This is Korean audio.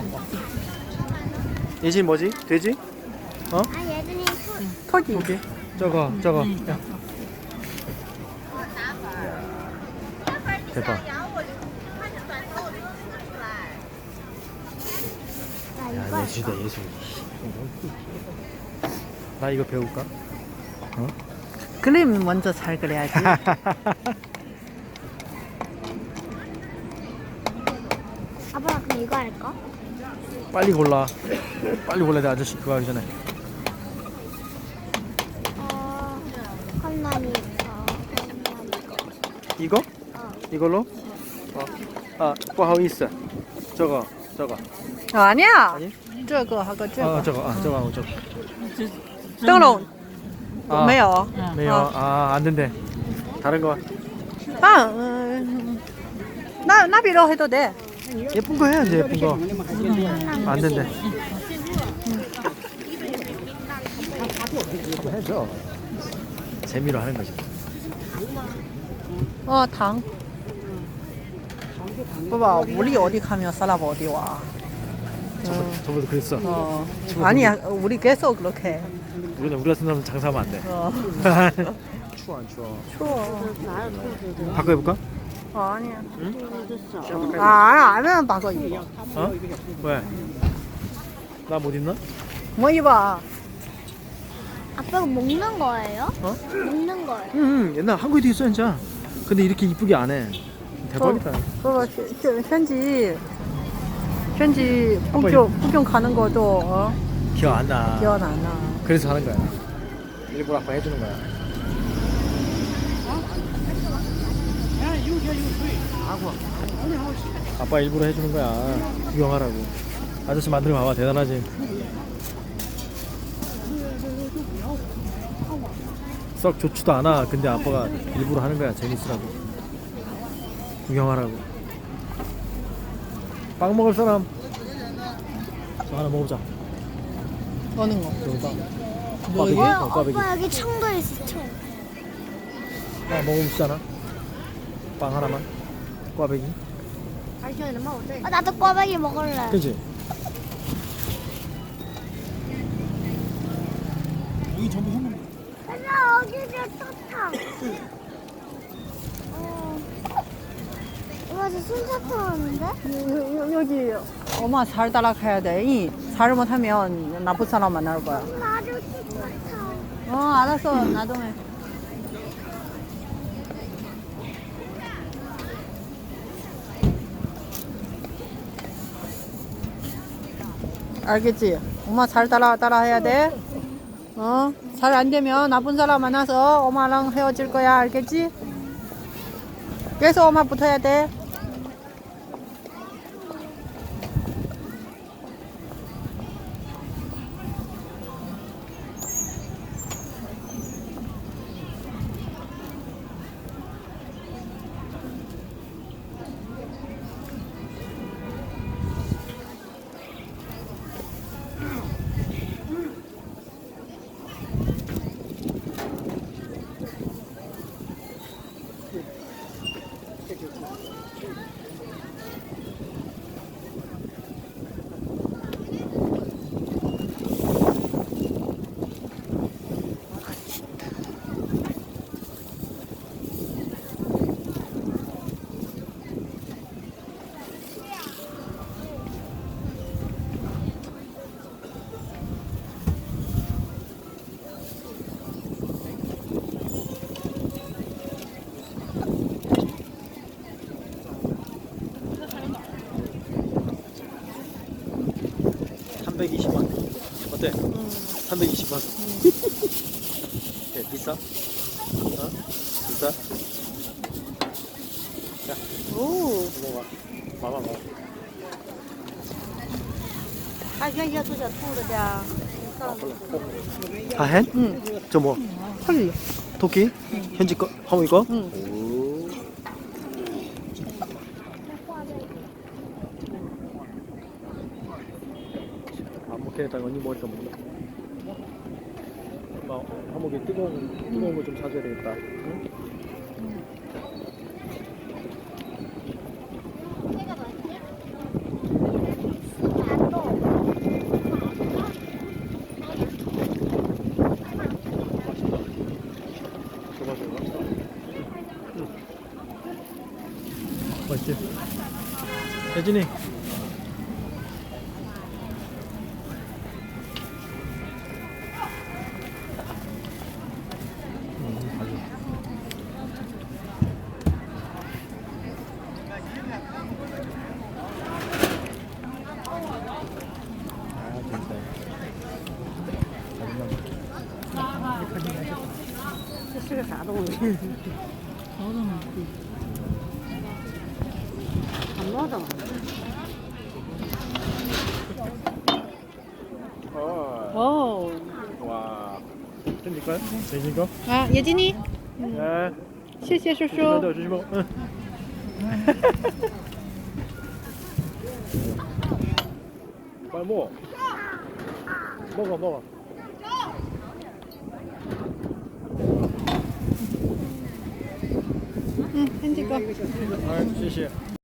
예진 뭐지? 돼지? 어? 아, 예준이 토기. 오케이. 저거. 야. 대박. 야, 예술이다, 예술. 나 이거 배울까? 어? 그림 먼저 잘 그려야지. 아빠 그럼 이거 할까? 빨리 골라. 빨리 골라, 내 아저씨 그거 하기 전에. 컵라니 이거? 이걸로? 아, 不好意思. 저거. 아니야. 아니? 这个하고 这个. 저거 하고 저거. 灯笼 아, 没有. 매요. 아, 안 된대. 다른 거. 아, 나비로 해도 돼. 예쁜 거 해야지, 예쁜 거. 안 된대. 해줘. 재미로 하는 거지. 당. 봐봐, 우리 어디 가면 사람 어디 와. 저번도 그랬어. 아니야, 우리 계속 그렇게 해. 우리 같은 사람은 장사하면 안 돼. 추워 안 추워? 추워. 바꿔해볼까? 아니야. 응? 안 하면 바꿔 입어. 어? 왜? 나 못 입나? 뭐 입어? 아빠가 먹는 거예요? 어? 먹는 거예요? 응, 옛날 한국에도 있어 진짜. 근데 이렇게 이쁘게 안 해. 대박이다. 봐봐, 현지 북경 가는 것도 기억 안 나. 기억 안 나. 그래서 하는 거야. 일부러 아빠 해주는 거야. 아빠 일부러 해주는 거야. 구경하라고. 아저씨 만들어 봐봐. 대단하지. 썩 좋지도 않아. 근데 아빠가 일부러 하는 거야. 재밌으라고. 구경하라고. 빵 먹을 사람? 저 하나 먹어보자. 어느 거? 저거 빵. 뭐 이게? 꽈배기. 아빠 여기 청도 있어, 청. 아, 먹어보시잖아. 빵 하나만. 꽈배기. 나도 꽈배기 먹을래. 그치? 나 여기가 사탕. 이거 저 순사탕 하는데? 여기 엄마 잘 따라가야 돼. 잘못하면 나쁜 사람 만날 거야. 나도 순사탕. 알았어. 나도 해. 알겠지? 엄마 잘 따라해야 돼. 잘 안 되면 나쁜 사람 만나서 엄마랑 헤어질 거야. 알겠지? 계속 엄마 붙어야 돼. 어때? 320원. 비싸? 비싸? 자, 오. 먹어봐. 봐봐. 原先做小兔子的。 다 해? 응. 저 뭐? 털리. 토끼? 현지 거? 하모이 거? 응. 오. 안 먹겠다. 언니 먹으니까 먹는다. 하모기 뜨거운 거 좀 사줘야 되겠다. 응? 예진이. 실시가 자동으로. 안 먹어. 오. 와. 됩니까? 예진이 거? 아, 예진이. 네. 谢谢叔 조심하세요, 叔。 조심하고. 응. 빨리 먹어. 먹어. 응, 핸디 거. 아, 谢谢。